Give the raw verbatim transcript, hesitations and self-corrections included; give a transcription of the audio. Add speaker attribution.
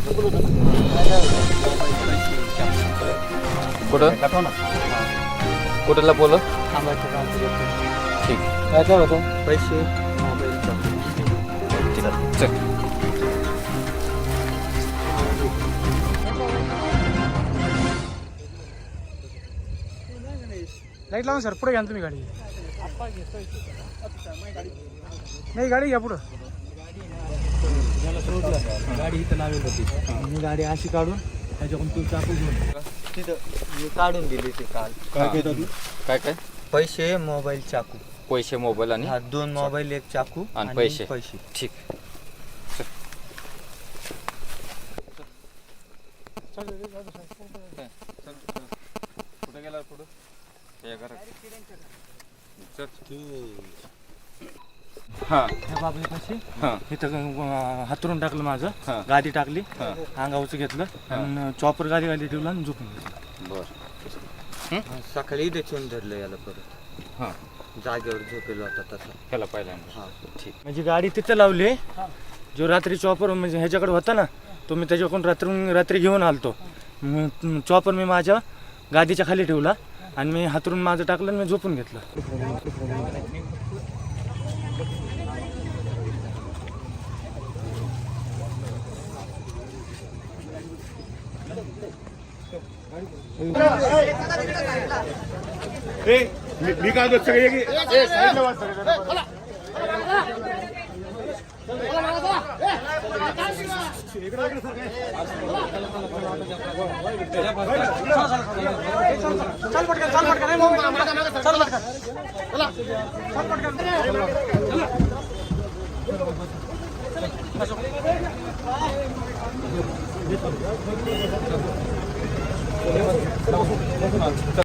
Speaker 1: कुठं कुठं लपवलं? ठीक.
Speaker 2: काय काय होतं? पैसे, मोबाईलचा.
Speaker 1: चल.
Speaker 2: लाईट लावून सर पुढे घ्या ना तुम्ही गाडी. नाही गाडी घ्या पुढं. गाडी इथं लावेल होती. मी गाडी अशी काढून त्याच्याकडून तू चाकू घेऊन
Speaker 3: तिथं मी काढून दिली ते काल.
Speaker 1: काय काय काय
Speaker 3: पैसे, मोबाईल, चाकू.
Speaker 1: पैसे, मोबाईल आणि
Speaker 3: हा, दोन मोबाईल, एक चाकू
Speaker 1: आणि पैसे.
Speaker 3: पैसे.
Speaker 1: ठीक. कुठे गेला पुढं? हां
Speaker 2: त्या बाबळीपाशी
Speaker 1: हां
Speaker 2: इथं हातरून टाकलं माझं.
Speaker 1: हां.
Speaker 2: गादी टाकली,
Speaker 1: हां.
Speaker 2: अंगावचं घेतलं
Speaker 1: हां.
Speaker 2: आणि चॉपर गादी गादी ठेवलं आणि झोपून घेतलं.
Speaker 1: बरं.
Speaker 3: सकाळी इथे ठेवून धरलं याला परत.
Speaker 1: हां
Speaker 3: जागेवर झोपेल होता तसा.
Speaker 1: ह्याला पहिल्यांदा.
Speaker 3: हा.
Speaker 1: ठीक.
Speaker 2: म्हणजे गाडी तिथं लावली. जो रात्री चॉपर म्हणजे ह्याच्याकडे होता ना, तो मी त्याच्याकडून रात्री रात्री घेऊन आलतो. मग चॉपर मी माझ्या गादीच्या खाली ठेवला आणि मी हातरून माझं टाकलं आणि मी झोपून घेतलं.
Speaker 4: मी काय होत सगळे की साईडला वाच सगळे.
Speaker 2: चल पटकन, चल पटकन, चल पटकन. चल पटकन.